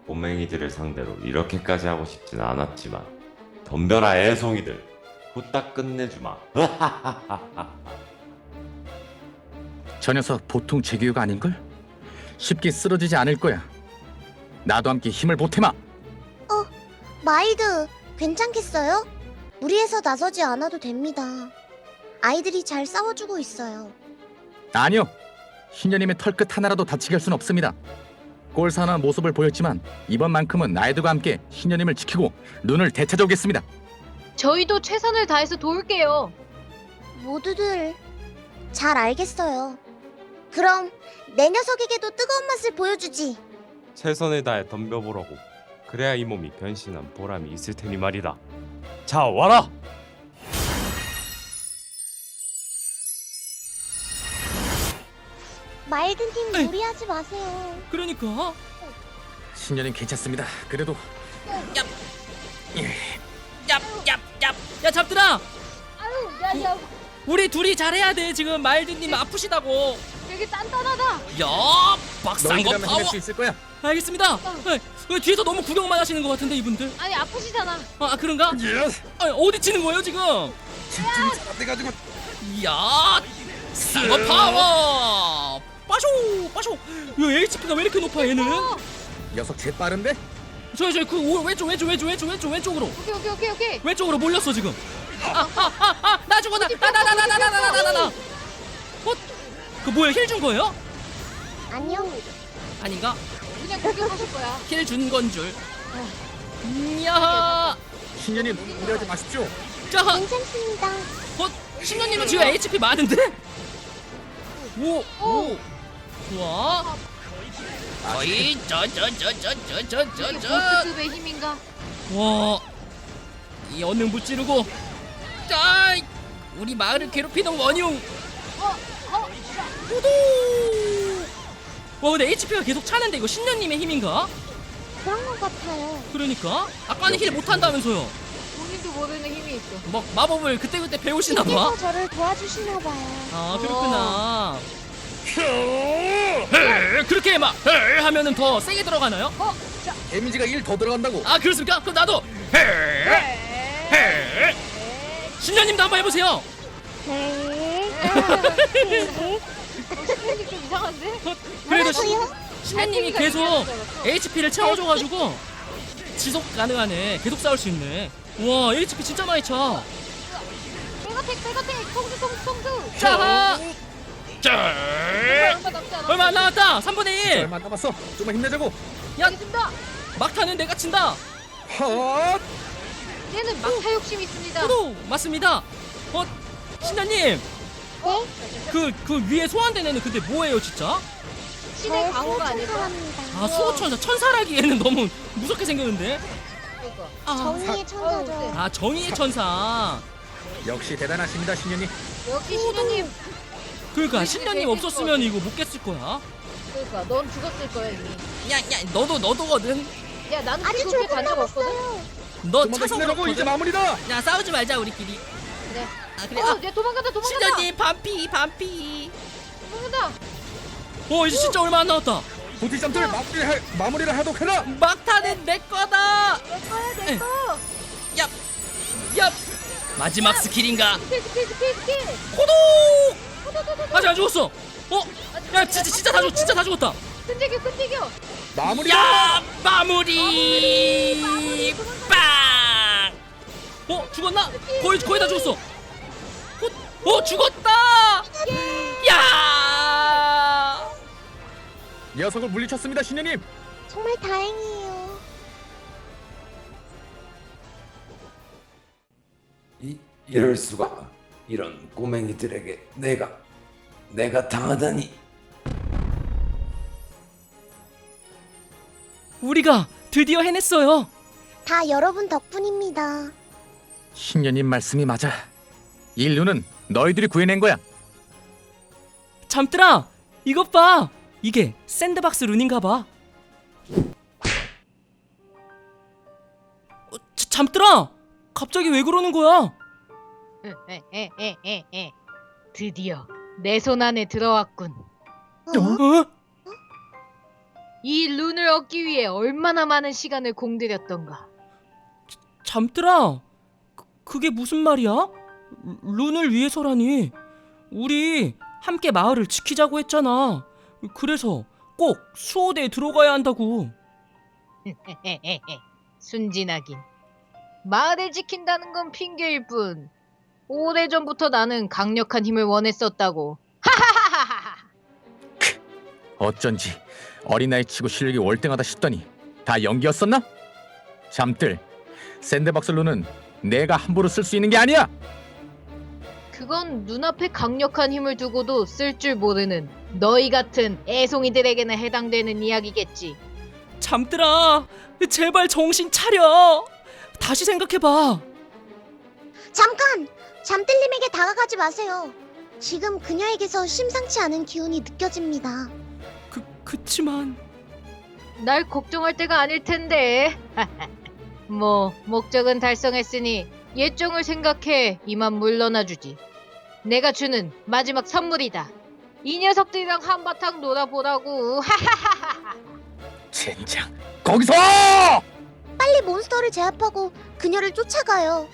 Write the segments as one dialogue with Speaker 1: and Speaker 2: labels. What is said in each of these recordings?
Speaker 1: 꼬맹이들을 상대로 이렇게까지 하고 싶진 않았지만 덤벼라 애송이들, 후딱 끝내주마.
Speaker 2: 저 녀석 보통 재규가 아닌걸? 쉽게 쓰러지지 않을 거야. 나도 함께 힘을 보태마.
Speaker 3: 마일드, 괜찮겠어요? 무리해서 나서지 않아도 됩니다. 아이들이 잘 싸워주고 있어요.
Speaker 2: 아니요. 신녀님의 털끝 하나라도 다치게 할 순 없습니다. 꼴사나운 모습을 보였지만 이번만큼은 나이드가 함께 신녀님을 지키고 눈을 되찾아오겠습니다.
Speaker 4: 저희도 최선을 다해서 도울게요.
Speaker 3: 모두들 잘 알겠어요. 그럼 내 녀석에게도 뜨거운 맛을 보여주지.
Speaker 5: 최선을 다해 덤벼보라고. 그래야 이 몸이 변신한 보람이 있을 테니 말이다. 자, 와라!
Speaker 3: 마일드님 무리하지 마세요.
Speaker 6: 그러니까
Speaker 2: 신녀님 괜찮습니다. 그래도
Speaker 6: 얍얍얍 야 잡들아
Speaker 4: 아유, 야,
Speaker 6: 우리 둘이 잘해야 돼. 지금 마일드님 아프시다고.
Speaker 4: 되게 단단하다.
Speaker 6: 야 박상거
Speaker 2: 너희들하면
Speaker 6: 파워.
Speaker 2: 해낼 수 있을 거야.
Speaker 6: 알겠습니다. 뒤에서 너무 구경만 하시는 것 같은데 이분들.
Speaker 4: 아니 아프시잖아.
Speaker 6: 아 그런가? 어디 치는 거예요 지금?
Speaker 2: 집중이 잘 안 돼가지고.
Speaker 6: 야 상거 파워. 빠쇼 빠쇼. 야 HP가 왜 이렇게 높아 얘는?
Speaker 2: 녀석 제 빠른데?
Speaker 6: 저기 그 왼쪽으로
Speaker 4: 오케이.
Speaker 6: 왼쪽으로 몰렸어 지금. 나 죽어 나. 그 뭐야 힐 준 거예요?
Speaker 3: 안녕.
Speaker 6: 아닌가?
Speaker 4: 그냥 공격하실 거야.
Speaker 6: 힐 준 건 줄. 이야.
Speaker 2: 신녀님 무리하지 마십시오.
Speaker 6: 자,
Speaker 3: 괜찮습니다.
Speaker 6: 신녀님은 지금 HP 많은데? 오. 좋아. 거의
Speaker 4: 이게
Speaker 6: 저저저저저저저.
Speaker 4: 보스급의 힘인가?
Speaker 6: 와. 이 언능 찌르고. 자, 우리 마을을 괴롭히는 원흉. 후두. 와, 근데 HP가 계속 차는데 이거 신녀님의 힘인가?
Speaker 3: 그런 것 같아요.
Speaker 6: 그러니까 아까는 힐 못한다면서요.
Speaker 4: 본인도 모르는 힘이 있어.
Speaker 6: 뭐 마법을 그때그때 배우시나 봐.
Speaker 3: 이제서 저를 도와주시나 봐요.
Speaker 6: 아 그렇구나. 그렇게 막 하면은 더 세게 들어가나요?
Speaker 2: 데미지가 1 더 들어간다고.
Speaker 6: 아 그렇습니까? 그럼 나도 신녀님도 한번 해보세요.
Speaker 3: 네.
Speaker 4: 신분이 좀 이상한데?
Speaker 6: 그래도
Speaker 3: 뭐라고요?
Speaker 6: 신녀님이 계속 HP를 채워줘가지고 지속 가능하네. 계속 싸울 수 있네. 와 HP 진짜 많이 차.
Speaker 4: 백어택 통수.
Speaker 6: 자,
Speaker 4: 얼마 남지 않았어.
Speaker 6: 얼마 안 남았다. 3분의 1.
Speaker 2: 얼마 안 남았어. 좀만 힘내자고.
Speaker 6: 야,
Speaker 4: 알겠습니다.
Speaker 6: 막타는 내가 친다.
Speaker 2: 헛.
Speaker 4: 얘는 막타 욕심 있습니다.
Speaker 6: 저도 맞습니다. 신녀님.
Speaker 3: 네?
Speaker 6: 그 위에 소환된 애는 근데 뭐예요 진짜?
Speaker 4: 신의 강호가 아닐까?
Speaker 3: 천사랍니다.
Speaker 6: 아 수호천사 천사라기에는 너무 무섭게 생겼는데.
Speaker 4: 그러니까.
Speaker 6: 아,
Speaker 3: 정의의 천사죠.
Speaker 6: 아 정의의 천사.
Speaker 2: 역시 대단하십니다, 신녀님.
Speaker 4: 역시 신녀님.
Speaker 6: 그러니까 신녀님 없었으면 이거 못 깼을 거야.
Speaker 4: 그러니까 넌 죽었을 거야 이미.
Speaker 6: 야 너도거든.
Speaker 4: 야 나는
Speaker 3: 아직
Speaker 4: 그렇게
Speaker 3: 조금
Speaker 4: 간 적 없거든.
Speaker 3: 남았어요.
Speaker 6: 너
Speaker 2: 좀만 더
Speaker 6: 차서
Speaker 2: 힘내자고. 이제
Speaker 6: 그렇거든.
Speaker 2: 마무리다.
Speaker 6: 야 싸우지 말자 우리끼리.
Speaker 4: 그래.
Speaker 6: 아 그래.
Speaker 4: 야 도망간다.
Speaker 6: 신녀님 반피.
Speaker 4: 도망간다.
Speaker 6: 이제 진짜 얼마 안 남았다.
Speaker 2: 도티점들 마무리를 하도록 해라.
Speaker 6: 막타는 내 거다.
Speaker 4: 내 거.
Speaker 6: 야 마지막 스킬인가?
Speaker 4: 스킬.
Speaker 6: 호도. 아직 안 죽었어. 야 진짜 다 죽었다.
Speaker 4: 끈질겨.
Speaker 2: 마무리다.
Speaker 6: 야 마무리 빵. 죽었나? 거의 다 죽었어. 죽었다. 야
Speaker 2: 녀석을 물리쳤습니다, 신녀님.
Speaker 3: 정말 다행이에요.
Speaker 1: 이럴 수가. 이런 꼬맹이들에게 내가 당하다니.
Speaker 6: 우리가 드디어 해냈어요.
Speaker 3: 다 여러분 덕분입니다.
Speaker 2: 신녀님 말씀이 맞아. 인류는 너희들이 구해낸 거야.
Speaker 6: 잠들아 이것 봐. 이게 샌드박스 룬인가 봐. 잠들아 갑자기 왜 그러는 거야?
Speaker 4: 드디어 내 손 안에 들어왔군.
Speaker 3: 어?
Speaker 6: 어?
Speaker 4: 이 룬을 얻기 위해 얼마나 많은 시간을 공들였던가.
Speaker 6: 잠들아, 그게 무슨 말이야? 룬을 위해서라니. 우리 함께 마을을 지키자고 했잖아. 그래서 꼭 수호대에 들어가야 한다고.
Speaker 4: 순진하긴. 마을을 지킨다는 건 핑계일 뿐. 오래전부터 나는 강력한 힘을 원했었다고.
Speaker 2: 어쩐지 어린아이 치고 실력이 월등하다 싶더니 다 연기였었나? 잠들, 샌드박스 룬은 내가 함부로 쓸 수 있는 게 아니야.
Speaker 4: 그건 눈앞에 강력한 힘을 두고도 쓸 줄 모르는 너희 같은 애송이들에게는 해당되는 이야기겠지.
Speaker 6: 잠들아, 제발 정신 차려. 다시 생각해봐.
Speaker 3: 잠깐! 잠들님에게 다가가지 마세요. 지금 그녀에게서 심상치 않은 기운이 느껴집니다.
Speaker 6: 그치만
Speaker 4: 날 걱정할 때가 아닐 텐데. 뭐 목적은 달성했으니 예정을 생각해 이만 물러나주지. 내가 주는 마지막 선물이다. 이 녀석들이랑 한바탕 놀아보라고.
Speaker 2: 젠장, 거기서!
Speaker 3: 빨리 몬스터를 제압하고 그녀를 쫓아가요.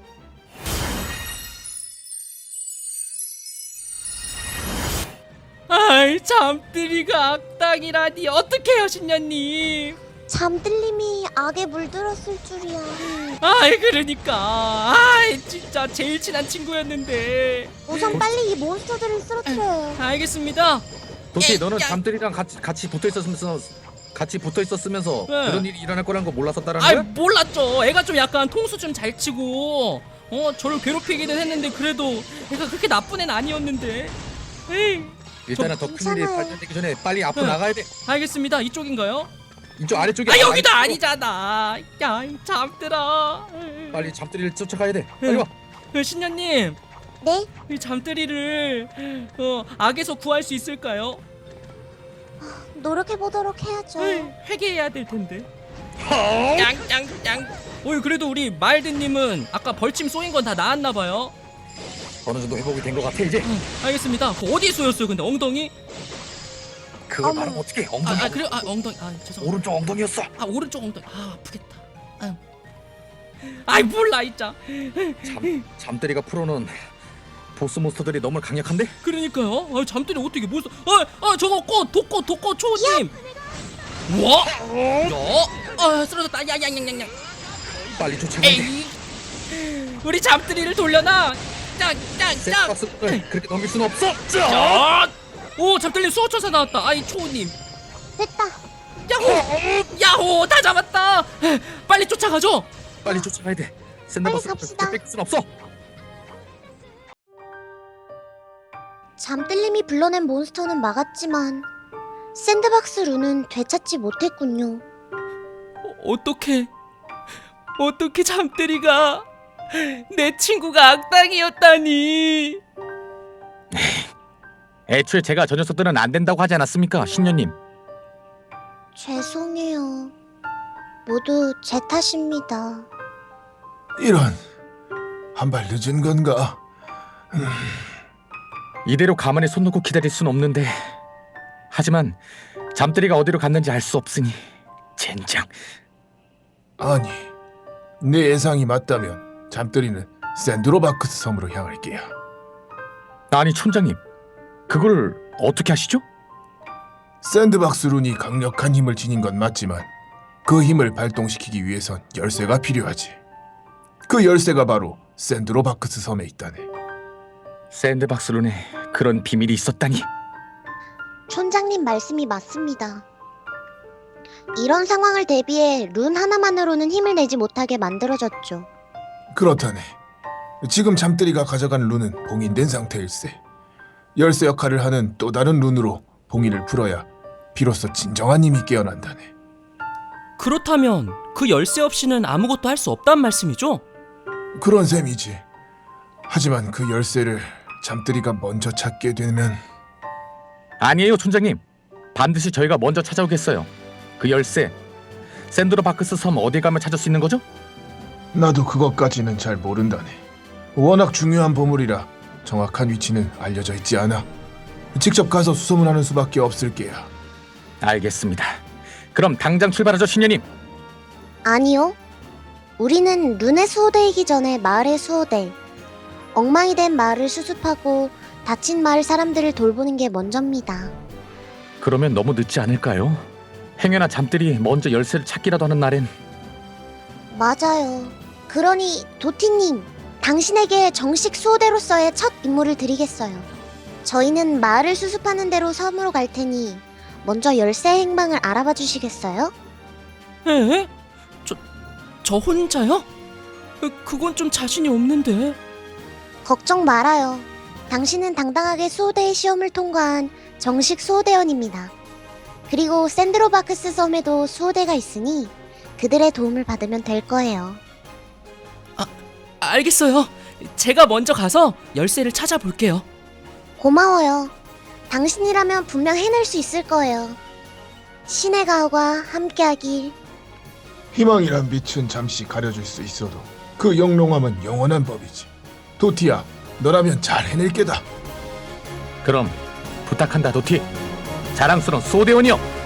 Speaker 6: 아이, 잠들이가 악당이라니. 어떡해요, 신녀님.
Speaker 3: 잠들님이 악에 물들었을 줄이야.
Speaker 6: 아이, 그러니까. 아이, 진짜 제일 친한 친구였는데.
Speaker 3: 우선 빨리 이 몬스터들을 쓰러뜨려요.
Speaker 6: 알겠습니다.
Speaker 2: 도티, 너는 잠들이랑 같이 붙어 있었으면서
Speaker 6: 네.
Speaker 2: 그런 일이 일어날 거란 거 몰랐었다라는
Speaker 6: 아이,
Speaker 2: 거야?
Speaker 6: 몰랐죠. 애가 좀 약간 통수 좀 잘 치고 저를 괴롭히기는 했는데 그래도 애가 그렇게 나쁜 애는 아니었는데. 에이.
Speaker 2: 일단은 더 큰 일이
Speaker 3: 괜찮아요.
Speaker 2: 발전되기 전에 빨리 앞으로
Speaker 6: 네.
Speaker 2: 나가야 돼.
Speaker 6: 알겠습니다. 이쪽인가요?
Speaker 2: 이쪽 아래쪽에.
Speaker 6: 아, 여기도 아니잖아. 야, 이 잠들아.
Speaker 2: 빨리 잠들이를 쫓아가야 돼. 빨리 와.
Speaker 6: 신녀님,
Speaker 3: 네?
Speaker 6: 이 잠들이를 악에서 구할 수 있을까요?
Speaker 3: 노력해보도록 해야죠.
Speaker 6: 회개해야 될 텐데. 짱짱짱. 그래도 우리 마일드님은 아까 벌침 쏘인 건 다 나았나 봐요.
Speaker 2: 어느 정도 회복이 된 것 같아 이제.
Speaker 6: 알겠습니다. 어디에 쏘였어요? 근데 엉덩이?
Speaker 2: 그걸
Speaker 3: 어머.
Speaker 2: 말하면 어떡해. 엉덩이.
Speaker 6: 그래요? 엉덩이. 죄송합니다.
Speaker 2: 오른쪽 엉덩이였어.
Speaker 6: 오른쪽 엉덩이. 아프겠다. 아이, 몰라 진짜.
Speaker 2: 잠들이가 풀어놓은 보스 몬스터들이 너무 강력한데?
Speaker 6: 그러니까요. 잠들이 어떻게 몬스터? 저거 독꽃 초님. 와? 야? 쓰러졌다. 야야야야야.
Speaker 2: 빨리 쫓아가야 돼.
Speaker 6: 에이. 우리 잠들이를 돌려놔. 짱짱짱.
Speaker 2: 샌드박스를 그렇게 넘길 수는 없어.
Speaker 6: 오, 잠들님 수호천사 나왔다. 아이, 초님.
Speaker 3: 됐다.
Speaker 6: 야호, 다 잡았다. 빨리 쫓아가죠.
Speaker 2: 빨리 쫓아가야 돼.
Speaker 3: 빨리
Speaker 2: 샌드박스를
Speaker 3: 갑시다.
Speaker 2: 그렇게 뺏길 수는 없어.
Speaker 3: 잠들님이 불러낸 몬스터는 막았지만 샌드박스 룬은 되찾지 못했군요.
Speaker 6: 어떻게 잠들이가 내 친구가 악당이었다니.
Speaker 2: 애초에 제가 저 녀석들은 안 된다고 하지 않았습니까, 신녀님?
Speaker 3: 죄송해요. 모두 제 탓입니다.
Speaker 7: 이런, 한 발 늦은 건가?
Speaker 2: 이대로 가만히 손 놓고 기다릴 순 없는데. 하지만 잠들이가 어디로 갔는지 알 수 없으니 젠장.
Speaker 7: 아니, 내 예상이 맞다면 잠들이는 샌드로바크스 섬으로 향할게요.
Speaker 2: 아니, 촌장님, 그걸 어떻게 하시죠?
Speaker 7: 샌드박스 룬이 강력한 힘을 지닌 건 맞지만 그 힘을 발동시키기 위해선 열쇠가 필요하지. 그 열쇠가 바로 샌드로바크스 섬에 있다네.
Speaker 2: 샌드박스 룬에 그런 비밀이 있었다니.
Speaker 3: 촌장님 말씀이 맞습니다. 이런 상황을 대비해 룬 하나만으로는 힘을 내지 못하게 만들어졌죠.
Speaker 7: 그렇다네. 지금 잠들이가 가져간 룬은 봉인된 상태일세. 열쇠 역할을 하는 또 다른 룬으로 봉인을 풀어야 비로소 진정한 힘이 깨어난다네.
Speaker 6: 그렇다면 그 열쇠 없이는 아무것도 할 수 없단 말씀이죠?
Speaker 7: 그런 셈이지. 하지만 그 열쇠를 잠들이가 먼저 찾게 되면
Speaker 2: 아니에요, 촌장님. 반드시 저희가 먼저 찾아오겠어요. 그 열쇠, 샌드로바크스 섬 어디 가면 찾을 수 있는 거죠?
Speaker 7: 나도 그것까지는 잘 모른다네. 워낙 중요한 보물이라 정확한 위치는 알려져 있지 않아. 직접 가서 수소문하는 수밖에 없을 게야.
Speaker 2: 알겠습니다. 그럼 당장 출발하죠, 신녀님.
Speaker 3: 아니요. 우리는 룬의 수호대이기 전에 마을의 수호대. 엉망이 된 마을을 수습하고 다친 마을 사람들을 돌보는 게 먼저입니다.
Speaker 2: 그러면 너무 늦지 않을까요? 행여나 잠들이 먼저 열쇠를 찾기라도 하는 날엔.
Speaker 3: 맞아요. 그러니 도티님, 당신에게 정식 수호대로서의 첫 임무를 드리겠어요. 저희는 마을을 수습하는 대로 섬으로 갈 테니 먼저 열쇠 행방을 알아봐 주시겠어요?
Speaker 6: 에? 저 혼자요? 그건 좀 자신이 없는데.
Speaker 3: 걱정 말아요. 당신은 당당하게 수호대의 시험을 통과한 정식 수호대원입니다. 그리고 샌드로바크스 섬에도 수호대가 있으니 그들의 도움을 받으면 될 거예요.
Speaker 6: 알겠어요. 제가 먼저 가서 열쇠를 찾아볼게요.
Speaker 3: 고마워요. 당신이라면 분명 해낼 수 있을 거예요. 신의 가호가 함께하길.
Speaker 7: 희망이란 빛은 잠시 가려질 수 있어도 그 영롱함은 영원한 법이지. 도티야, 너라면 잘 해낼 게다.
Speaker 2: 그럼 부탁한다, 도티. 자랑스러운 수호대원이여.